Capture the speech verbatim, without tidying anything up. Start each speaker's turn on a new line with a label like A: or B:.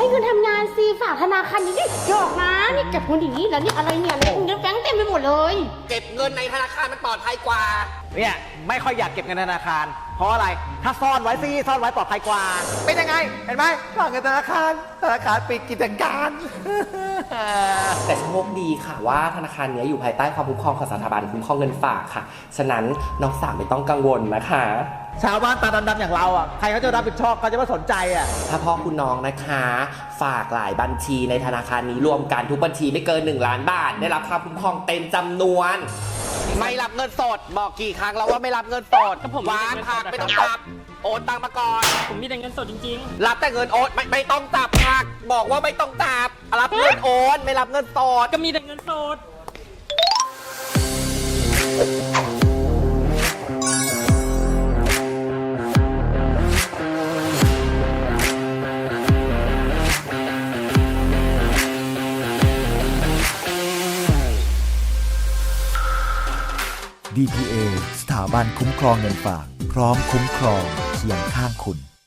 A: เงินทำงานสิฝากธนาคารนี้ดิหยอกนะนี่เก็บเงินอย่างนี้แล้วนี่อะไรเนี่ยอะไรเงินแบงค์เต็มไปหมดเลย
B: เก็บเงินในธนาคารมันปลอดภัยกว่า
C: เนี่ยไม่ค่อยอยากเก็บเงินธนาคารเพราะอะไรถ้าซ่อนไว้สิซ่อนไว้ปลอดภัยกว่าเป็นยังไงเห็นไหมฝากเงินธนาคารธนาคารปิดกิจการ
D: แต่โชคดีค่ะว่าธนาคารนี้อยู่ภายใต้ความคุ้มครองของสถาบันคุ้มครองเงินฝากค่ะฉะนั้นน้องสาวไม่ต้องกังวลนะคะ
C: ชาวบ้านตาดำๆอย่างเราอ่ะใครเขาจะรับผิดชอบเขาจะไม่สนใจอ่ะ
D: ถ้าพ่อคุณน้องนะคะฝากหลายบัญชีในธนาคารนี้รวมกันทุกบัญชีไม่เกินหนึ่งล้านบาทได้รับความคุ้มครองเต็มจำนวน
B: ไม่รับเงินสดบอกกี่ครั้งแล้วว่าไม่รับเงินสดวางผักไม่ต้องจับโอนตังมาก่อน
E: ผมมีแต่เงินสดจริง
B: ๆรับแต่เงินโอนไม่ไม่ต้องจับผักบอกว่าไม่ต้องจับรับเงินโอนไม่รับเงินสด
E: ก็มีแต่เงินสด
F: ดี พี เอ สถาบันคุ้มครองเงินฝากพร้อมคุ้มครองเคียงข้างคุณ